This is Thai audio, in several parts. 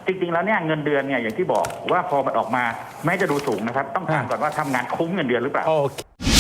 จริงๆแล้วเนี่ยเงินเดือนเนี่ยอย่างที่บอกว่าพอมันออกมาแม้จะดูสูงนะครับต้องถามก่อนว่าทำงานคุ้มเงินเดือนหรือเปล่าโอเค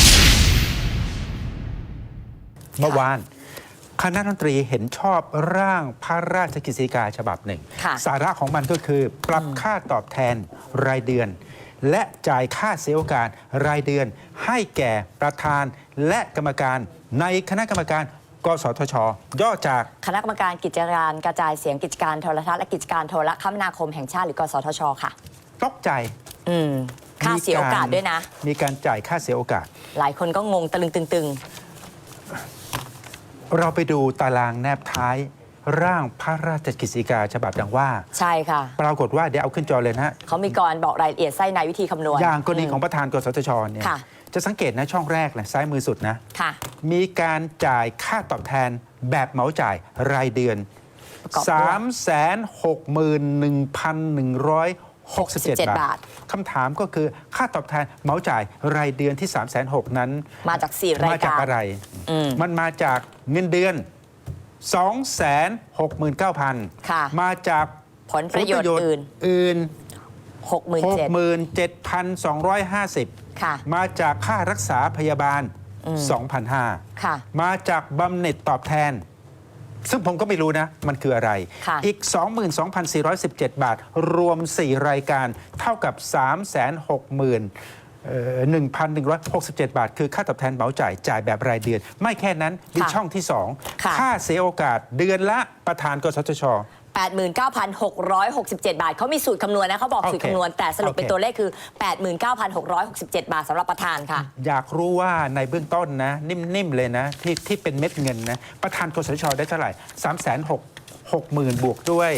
เมื่อวานคณะรัฐมนตรีเห็นชอบร่างพระราชกฤษฎีกาฉบับหนึ่งสาระของมันก็คือปรับค่าตอบแทนรายเดือนและจ่ายค่าเสียโอกาสรายเดือนให้แก่ประธานและกรรมการในคณะกรรมการกสทช.ย่อจากคณะกรรมการกิจการกระจายเสียงกิจการโทรทัศน์และกิจการโทรคมนาคมแห่งชาติหรือกสทช.ค่ะตกใจค่าเสียโอกาสด้วยนะมีการจ่ายค่าเสียโอกาสหลายคนก็งงตะลึงตึงเราไปดูตารางแนบท้ายร่างพระราชกฤษฎีกาฉบับดังว่าใช่ค่ะปรากฏว่าเดี๋ยวเอาขึ้นจอเลยนะฮะเขามีกรบอกรายละเอียดไส้ในวิธีคำนวณอย่างกรณีของประธานกสทชเนี่ยจะสังเกตนะช่องแรกนะซ้ายมือสุดนะมีการจ่ายค่าตอบแทนแบบเหมาจ่ายรายเดือน 361,167 บาทคำถามก็คือค่าตอบแทนเหมาจ่ายรายเดือนที่ 360,000 นั้นมาจาก4 รายการมาจากอะไรมันมาจากเงินเดือน 269,000 มาจากผลประโยชน์อื่น 67,250 มาจากค่ารักษาพยาบาล 2,500 มาจากบำเหน็จตอบแทนซึ่งผมก็ไม่รู้นะมันคืออะไรอีก 22,417 บาทรวม 4 รายการเท่ากับ 361,167 บาทคือค่าตอบแทนเหมาจ่ายแบบรายเดือนไม่แค่นั้นมีช่องที่ 2 ค่าเสียโอกาสเดือนละประธานกสทช. 89,667 บาทเขามีสูตรคำนวณนะเขาบอกสูตรคำนวณแต่สรุปเป็นตัวเลขคือ 89,667 บาทสำหรับประธานค่ะอยากรู้ว่าในเบื้องต้นนะนิ่มๆเลยนะที่เป็นเม็ดเงินนะประธานกสทช.ได้เท่าไหร่ 360,000 บวกด้วย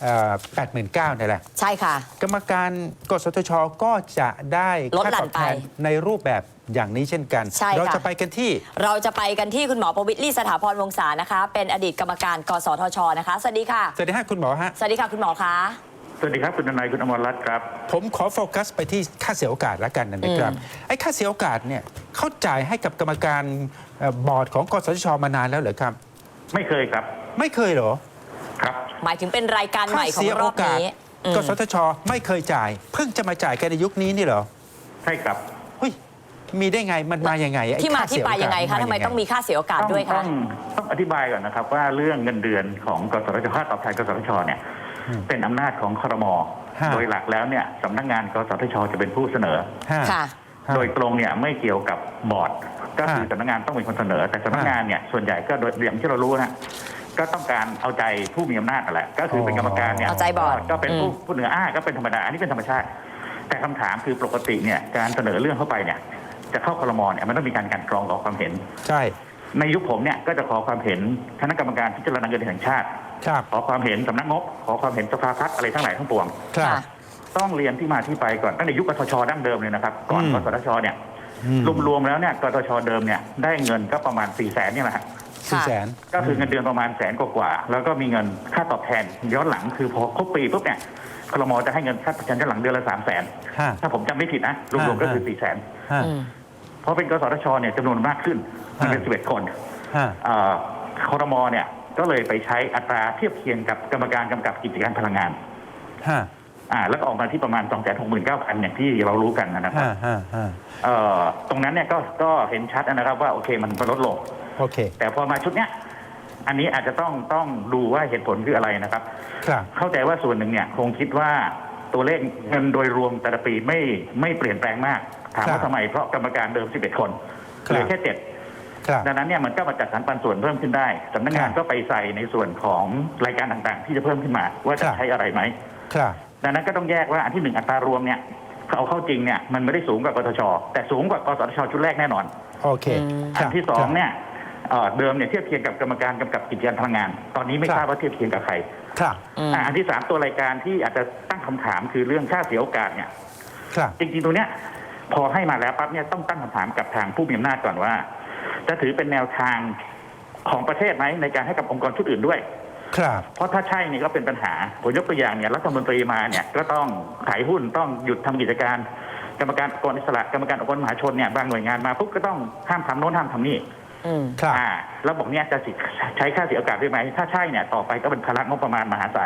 89,000นี่แหละใช่ค่ะกรรมการกสทช.ก็จะได้ค่าตอบแทนในรูปแบบอย่างนี้เช่นกันเราจะไปกันที่คุณหมอประวิตร ลี่สถาพรวงศานะคะเป็นอดีตกรรมการกสทช.นะคะสวัสดีค่ะสวัสดีค่ะคุณหมอฮะสวัสดีค่ะคุณหมอคะสวัสดีครับคุณนายคุณอมรรัตน์ครับผมขอโฟกัสไปที่ค่าเสียโอกาสแล้วกันนะครับไอ้ค่าเสียโอกาสเนี่ยเขาจ่ายให้กับกรรมการบอร์ดของกสทช.มานานแล้วเหรอครับไม่เคยครับไม่เคยเหรอครับหมายถึงเป็นรายการใหม่ของรอบนี้กสทช.ไม่เคยจ่ายเพิ่งจะมาจ่ายกันในยุคนี้นี่เหรอใช่ครับเฮ้ยมีได้ไงมันมาอย่างไงที่มาที่ไปยังไงคะทำไมต้องมีค่าเสียโอกาสด้วยคะต้องอธิบายก่อนนะครับว่าเรื่องเงินเดือนของกสทช.ค่าตอบแทนกสทช.เนี่ยเป็นอำนาจของครม.โดยหลักแล้วเนี่ยสำนักงานกสทช.จะเป็นผู้เสนอโดยตรงเนี่ยไม่เกี่ยวกับบอร์ดก็คือสำนักงานต้องเป็นคนเสนอแต่สำนักงานเนี่ยส่วนใหญ่ก็โดยอย่างที่เรารู้นะก็ต้องการเอาใจผู้มีอำนาจนั่นแหละก็คือเป็นกรรมการเนี่ยเอาใจบอร์ดก็เป็นผู้เหนือก็เป็นธรรมดาอันนี้เป็นธรรมชาติแต่คำถามคือปกติเนี่ยการเสนอเรื่องเข้าไปเนี่ยจะเข้าครม.เนี่ยมันต้องมีการกรองขอความเห็นใช่ในยุคผมเนี่ยก็จะขอความเห็นคณะกรรมการพิจารณาเงินเดือนแห่งชาติขอความเห็นสำนักงบขอความเห็นสภาพัฒน์อะไรทั้งหลายทั้งปวงต้องเรียนที่มาที่ไปก่อนตั้งแต่ยุคกสทช.ดั้งเดิมเลยนะครับก่อนกสทช.เนี่ยรวมๆแล้วเนี่ยกสทช.เดิมเนี่ยได้เงินก็ประมาณ400,000เนี่ยแหละ 400,000 ก็คือเงินเดือนประมาณ100,000 กว่าแล้วก็มีเงินค่าตอบแทนย้อนหลังคือพอครบปีปุ๊บเนี่ยครม.จะให้เงินค่าตอบแทนย้อนหลังเดือนละ300,000ถ้าผมจำไม่ผิดนะรวมๆก็คือ400,000พอเป็นกสทช.เนี่ยจำนวนมากขึ้นมันเป็น11 คนครม.เนี่ยก็เลยไปใช้อัตราเทียบเคียงกับกรรมการกำกับกิจการพลังงานแล้วก็ออกมาที่ประมาณ 269,000 อย่างที่เรารู้กันนะครับตรงนั้นเนี่ยก็เห็นชัดนะครับว่าโอเคมันลดลงแต่พอมาชุดเนี้ยอันนี้อาจจะต้องดูว่าเหตุผลคืออะไรนะครับเข้าใจว่าส่วนหนึ่งเนี่ยคงคิดว่าตัวเลขเงินโดยรวมแต่ละปีไม่เปลี่ยนแปลงมากถามว่าทำไมเพราะกรรมการเดิม11 คนเหลือแค่7ดังนั้นเนี่ยมันก็มาจัดสรรปันส่วนเพิ่มขึ้นได้สำนักงานก็ไปใส่ในส่วนของรายการต่างๆที่จะเพิ่มขึ้นมาว่าจะใช้อะไรไหมดังนั้นก็ต้องแยกว่าอันที่1อัตรารวมเนี่ยเอาเข้าจริงเนี่ยมันไม่ได้สูงกว่ากสทช.แต่สูงกว่ากสทช.ชุดแรกแน่นอนอันที่2เนี่ยเดิมเนี่ยเทียบเคียงกับกรรมการกำกับกิจการพลังงานตอนนี้ไม่ทราบว่าเทียบเคียงกับใครอันที่3ตัวรายการที่อาจจะตั้งคำถามคือเรื่องค่าเสียโอกาสเนี่ยจริงๆตัวเนี้ยพอให้มาแล้วปั๊บเนี่ยต้องตั้งคำถามกับทางผู้มีอำนาจก่อนว่าจะถือเป็นแนวทางของประเทศไหมในการให้กับองค์กรชุดอื่นด้วยเพราะถ้าใช่เนี่ยก็เป็นปัญหาผมยกตัวอย่างเนี่ยรัฐมนตรีมาเนี่ยก็ต้องขายหุ้นต้องหยุดทำกิจการกรรมการองค์กรอิสระกรรมการองค์กรมหาชนเนี่ยบางหน่วยงานมาปุ๊บก็ต้องห้ามทำโน้นห้ามทำนี่แล้วบอกเนี่ยจะใช้ค่าเสียโอกาสได้ไหมถ้าใช่เนี่ยต่อไปก็เป็นภาระงบประมาณมหาศาล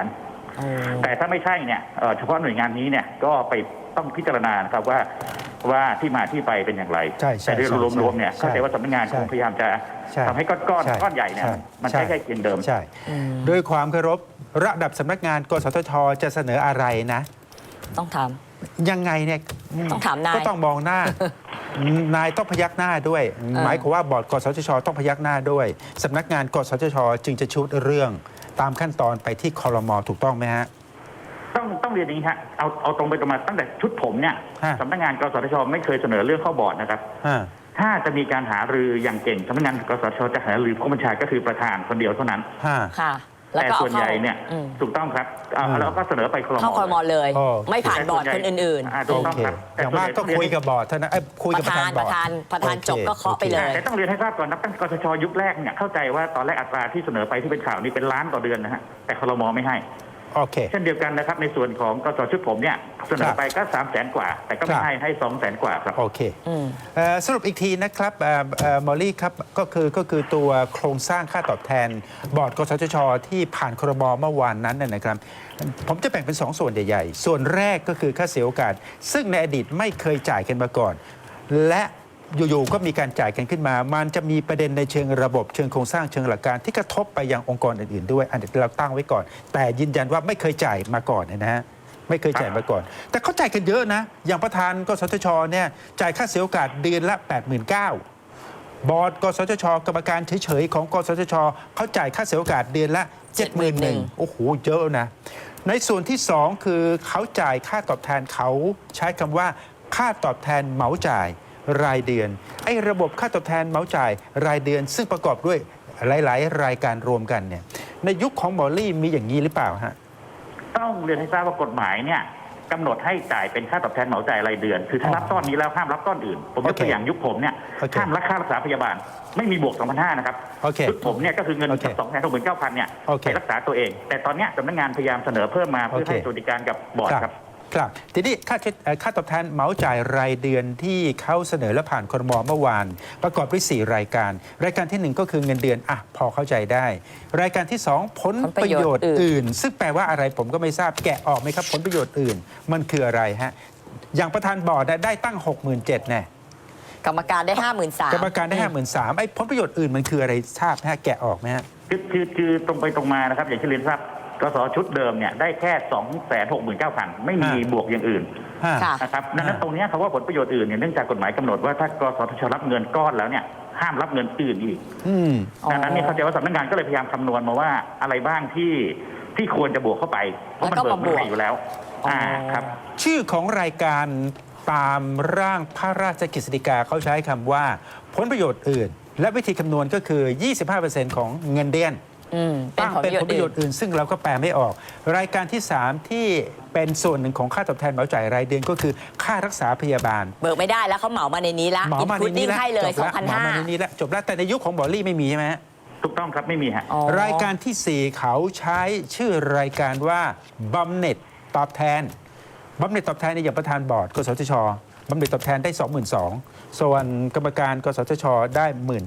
แต่ถ้าไม่ใช่เนี่ยเฉพาะหน่วยงานนี้เนี่ยก็ไปต้องพิจารณานะครับว่าที่มาที่ไปเป็นอย่างไรใช่แต่โดยรวมๆเนี่ยใช่เข้าใจว่าสำนักงานใช่คงพยายามจะใช่ทำให้ก้อนใหญ่เนี่ยมันใช้แค่เพียงเดิมใช่ด้วยความเคารพระดับสำนักงานกสทชจะเสนออะไรนะต้องถามยังไงเนี่ยต้องถามนายก็ต้องมองหน้า นายต้องพยักหน้าด้วย หมายความว่าบอร์ดกสทชต้องพยักหน้าด้วยสำนักงานกสทชจึงจะชุดเรื่องตามขั้นตอนไปที่ครม.ถูกต้องไหมฮะต้องเรียนอย่างนี้ฮะเอาตรงไปตรงมาตั้งแต่ชุดผมเนี่ยฮะสำนักงานกสทชไม่เคยเสนอเรื่องเข้าบอร์ดนะครับอ่าถ้าจะมีการหารืออย่างเก่งสำนักงานกสทชจะหารือผู้บัญชาก็คือประธานคนเดียวเท่านั้นฮะค่ะ แล้วแต่ก็เอาส่วนใหญ่เนี่ยอืมถูกต้องครับแล้วก็เสนอไปครมเข้าครมเลยโอเคไม่ผ่านบอร์ดคนอื่นถูโอกต้องเคครับอย่างมากก็คุยกับบอร์ดเท่านั้นคุยกับประธานบอร์ดประธานจบก็เคาะไปเลยแต่ต้องเรียนให้ทราบก่อนนะตั้งกสทชยุคแรกเนี่ยเข้าใจว่าตอนแรกอัตราที่เสนอไปที่เป็นข่าวนี้เป็นล้านต่อเดือนนะฮะแต่ครมไม่ให้โอเคเช่นเดียวกันนะครับในส่วนของกสชุดผมเนี่ยเสนอไปก็300,000 กว่า แต่ก็ไม่ให้200,000 กว่าครับโอเคอืมสรุปอีกทีนะครับมอลลี่ครับก็คือตัวโครงสร้างค่าตอบแทน บอร์ดกสทชที่ผ่านครม.เมื่อวานนั้นนะครับ ผมจะแบ่งเป็น 2 ส่วนใหญ่ๆ ส่วนแรกก็คือค่าเสียโอกาส ซึ่งในอดีตไม่เคยจ่ายกันมาก่อน และอยู่ๆก็มีการจ่ายกันขึ้นมา มันจะมีประเด็นในเชิงระบบเชิงโครงสร้างเชิงหลักการที่กระทบไปยังองค์กรอื่นๆด้วยอันนี้เราตั้งไว้ก่อน แต่ยืนยันว่าไม่เคยจ่ายมาก่อนนะฮะไม่เคยจ่ายมาก่อน แต่เขาจ่ายกันเยอะนะ อย่างประธานกสทชเนี่ยจ่ายค่าเสียโอกาสเดือนละ 89,000บอร์ดกสทชกรรมการเฉยๆของกสทชเขาจ่ายค่าเสียโอกาสเดือนละ 71,000โอ้โหเยอะนะในส่วนที่ 2 คือเขาจ่ายค่าตอบแทนเขาใช้คำว่าค่าตอบแทนเหมาจ่ายรายเดือนไอ้ระบบค่าตอบแทนเหมาจ่ายรายเดือน ซึ่งประกอบด้วยหลายๆ รายการรวมกันเนี่ยในยุคของหมอลี่มีอย่างนี้หรือเปล่าฮะต้องเรียนให้ทราบว่ากฎหมายเนี่ยกำหนดให้จ่ายเป็นค่าตอบแทนเหมาจ่ายรายเดือน คือถ้ารับก้อนนี้แล้วห้ามรับก้อนอื่น ผมยกตัวอย่างยุคผมเนี่ยโอเคห้ามรับค่ารักษาพยาบาล ไม่มีบวก 2,500 นะครับโอเคยุคผมเนี่ยก็คือเงินโอเค 269,000 เนี่ยโอเคไปรักษาตัวเอง แต่ตอนเนี้ยสำนักงานพยายามเสนอเพิ่มมาเพื่อโอเคให้สวัสดิการกับบอร์ดครับครับทีนี้ค่าตอบแทนเหมาจ่ายรายเดือนที่เขาเสนอและผ่านครม.เมื่อวาน ประกอบด้วย4รายการ รายการที่ 1 ก็คือเงินเดือนอ่ะพอเข้าใจได้ รายการที่ 2 ผลประโยชน์อื่น ซึ่งแปลว่าอะไรผมก็ไม่ทราบแกะออกไหมครับผลประโยชน์อื่น มันคืออะไรฮะอย่างประธานบอร์ดได้ตั้ง 67,000แน่กรรมการได้ 53,000 กรรมการได้ 53,000ไอ้ผลประโยชน์อื่นมันคืออะไรทราบไหมฮะแกะออกไหมฮะคือตรงไปตรงมานะครับอย่างที่เรียนทราบกสชุดเดิมเนี่ยได้แค่ 269,000 ไม่มีบวกอย่างอื่นค่ะนะครับดังนั้นตรงเนี้ยคำว่าผลประโยชน์อื่นเนี่ยเนื่องจากกฎหมายกำหนดว่าถ้ากสทชรับเงินก้อนแล้วเนี่ยห้ามรับเงินอื่นอีกอืมดังนั้นเนี่ยเข้าใจว่าสำนักงานก็เลยพยายามคำนวณมาว่าอะไรบ้างที่ควรจะบวกเข้าไปเพราะมันแล้วก็เบิกมาบวกไม่ได้อยู่แล้วครับชื่อของรายการตามร่างพระราชกฤษฎีกาเขาใช้คำว่าผลประโยชน์อื่น และวิธีคำนวณก็คือ 25% ของเงินเดือนเป็นตั้งผลเป็นประโยผชลน์ประโยอื่ชนน์อื่น ซึ่งเราก็แปลไม่ออก รายการที่ 3 ที่เป็นส่วนหนึ่งของค่าตอบแทนเหมาจ่ายรายเดือนก็คือค่ารักษาพยาบาลเบิกไม่ได้แล้วเขาเหมามาในนี้ละเหมามาในนี้อินพุตติ้งแล้วให้เลยจบแล้วเหมามาในนี้แล้วจบแล้วแต่ในยุคของบอลลี่ไม่มีใช่ไหมฮะถูกต้องครับไม่มีฮะรายการที่ 4 เขาใช้ชื่อรายการว่าบำเหน็จตอบแทนบำเหน็จตอบแทนในอย่างประธานบอร์ดกสทชบำเหน็จตอบแทนได้ 22,000ส่วนกรรมการกสทชได้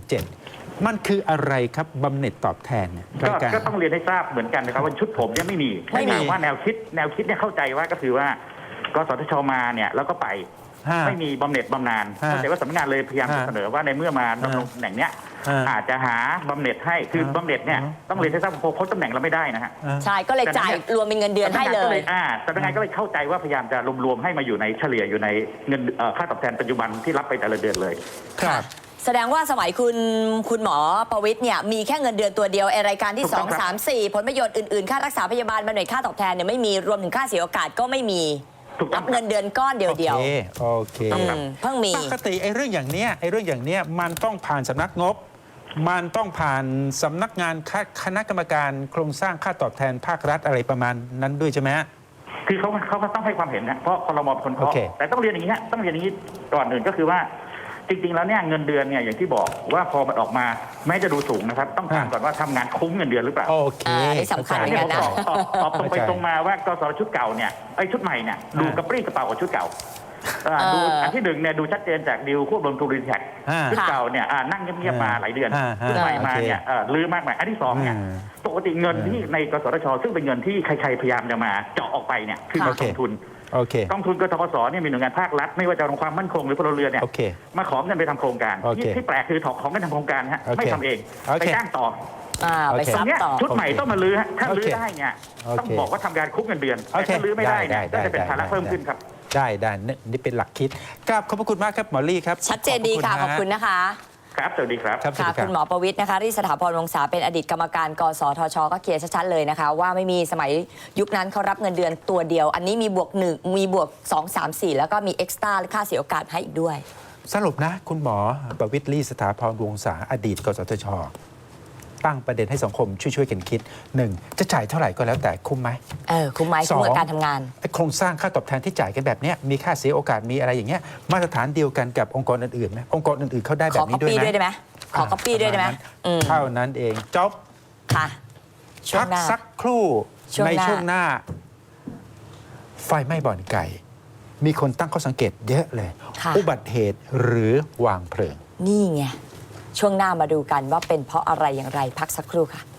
17,000มันคืออะไรครับบำเหน็จตอบแทนเนี่ยรายการก็ต้องเรียนให้ทราบเหมือนกันนะครับว่าชุดผมเนี่ยไม่มีไม่มีว่าแนวคิดเนี่ยเข้าใจว่าก็คือว่ากสทชมาเนี่ยแล้วก็ไปฮะไม่มีบำเหน็จบำนาญฮะเข้าใจว่าสำนักงานเลยพยายามจะฮะเสนอว่าในเมื่อมาดำรงตำแหน่งเนี้ยฮะอาจจะหาบำเหน็จให้คือบำเหน็จเนี่ยฮะต้องเรียนให้ทราบว่าพ้นตำแหน่งเราไม่ได้นะฮะใช่ก็เลยจ่ายรวมเป็นเงินเดือนให้เลยสำนักงานก็เลยเข้าใจว่าพยายามจะรวมๆให้มาอยู่ในเฉลี่ยอยู่ในเงินค่าตอบแทนปัจจุบันที่รับไปแต่ละเดือนเลยครับแสดงว่าสมัยคุณหมอประวิตรเนี่ยมีแค่เงินเดือนตัวเดียวไอรายการที่ถูกต้องครับ 2 3 4 ผลประโยชน์อื่นๆ ค่ารักษาพยาบาลบำเหน็จค่าตอบแทนเนี่ยไม่มีรวมถึงค่าเสียโอกาสก็ไม่มีถูกต้รัองบเงินเดือนก้อนเดียวโอเคเพิ่งมีปกติไอ้เรื่องอย่างเนี้ยมันต้องผ่านสำนักงบ มันต้องผ่านสำนักงานคณะกรรมการโครงสร้างค่าตอบแทนภาครัฐอะไรประมาณนั้นด้วยใช่ไหมฮะคือเขาก็ต้องให้ความเห็นนะเพราะครมเป็นคนเคาะโอเคแต่ต้องเรียนอย่างนี้ฮะต้องเรียนอย่างนี้ก่อนอื่นก็คือว่าจริงๆแล้วเนี่ยเงินเดือนเนี่ยอย่างที่บอกว่าพอมันออกมาแม้จะดูสูงนะครับต้องถามก่อนว่าทำงานคุ้มเงินเดือนหรือเปล่าโอเคนี่สำคัญเหมืนี่อนกัผนมนะตอบตรงไปตรงมาว่ากสชุดเก่าเนี่ยไอ้ชุดใหม่เนี่ยดูกระปรี้กระเป๋ากว่าชุดเก่าดูอันที่หนึ่งเนี่ยดูชัดเจนจากดีลควบรวมทูรินแท็กซึ่งเก่าเนี่ยนั่งเงียบๆมาหลายเดือนซึ่งใหม่มาเนี่ยลื้อมากมายอันที่สองเนี่ยปกติเงินที่ในกสทช.ซึ่งเป็นเงินที่ใครๆพยายามจะมาเจาะออกไปเนี่ยคือมากองทุนกองทุนกทปสเนี่ยมีหน่วยงานภาครัฐไม่ว่าจะองค์ความมั่นคงหรือพลเรือนเนี่ยมาขอเงินไปทำโครงการที่แปลกคือของเงินทำโครงการฮะไม่ทำเองไปจ้างต่อไปซับต่อชุดใหม่ต้องมาลื้อถ้าลื้อได้เนี่ยต้องบอกว่าทำการคุกเงินเดือนแต่ถ้าลื้อไม่ได้เนี่ยก็จะเป็นภาระเพิ่มขึ้นครับได้นี่เป็นหลักคิดครับขอบพระคุณมากครับหมอลี่ครับชัดเจนดีค่ะขอบคุณนะคะครับสวัสดีครับค่ะคุณหมอประวิตรนะคะที่สถาพรวงศาเป็นอดีตกรรมการกสทช.ก็เคลียร์ชัดๆเลยนะคะว่าไม่มีสมัยยุคนั้นเขารับเงินเดือนตัวเดียวอันนี้มีบวก1มีบวก2 3 4แล้วก็มีเอ็กซ์ตร้าค่าเสียโอกาสให้อีกด้วยสรุปนะคุณหมอประวิตรลี่สถาพรวงศาอดีตกสทช.ตั้งประเด็นให้สังคมช่วยกันคิด 1. จะจ่ายเท่าไหร่ก็แล้วแต่คุ้มไหมคุ้มไหมคุ้มกับการทำงานโครงสร้างค่าตอบแทนที่จ่ายกันแบบนี้มีค่าเสียโอกาสมีอะไรอย่างเงี้ยมาตรฐานเดียวกันกับองค์กรอื่นๆไหมองค์กรอื่นๆเขาได้แบบนี้ด้วยไหมขอ copy ด้วยได้ไหมเท่านั้นเองจบค่ะพักสักครู่ในช่วงหน้าไฟไหม้บ่อนไก่มีคนตั้งข้อสังเกตเยอะเลยอุบัติเหตุหรือวางเพลิงนี่ไงช่วงหน้ามาดูกันว่าเป็นเพราะอะไรอย่างไรพักสักครู่ค่ะ